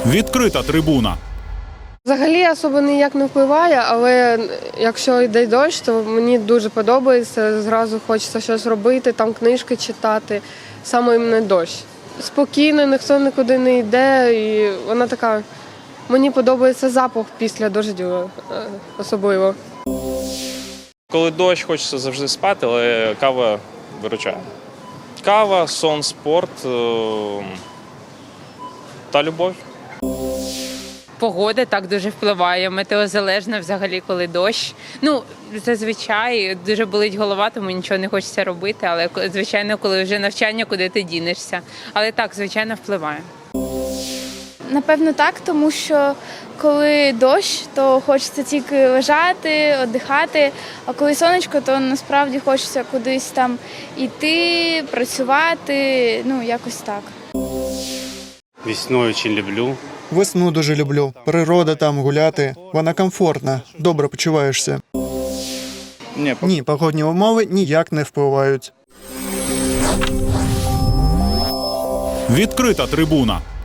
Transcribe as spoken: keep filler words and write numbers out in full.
Відкрита трибуна. Взагалі особо ніяк не впливає, але якщо йде дощ, то мені дуже подобається, зразу хочеться щось робити, там книжки читати, саме іменно дощ. Спокійно, ніхто нікуди не йде, і вона така, мені подобається запах після дождю особливо. Коли дощ, хочеться завжди спати, але кава виручає. Кава, сон, спорт е- та любов. Погода так дуже впливає, метеозалежна взагалі, коли дощ. Ну, зазвичай дуже болить голова, тому нічого не хочеться робити, але, звичайно, коли вже навчання, куди ти дінешся. Але так, звичайно, впливає. Напевно, так, тому що коли дощ, то хочеться тільки лежати, віддихати, а коли сонечко, то насправді хочеться кудись там йти, працювати, ну, якось так. Весною дуже люблю. Весну дуже люблю. Природа там, гуляти. Вона комфортна, добре почуваєшся. Ні, Ні, погодні умови ніяк не впливають. Відкрита трибуна.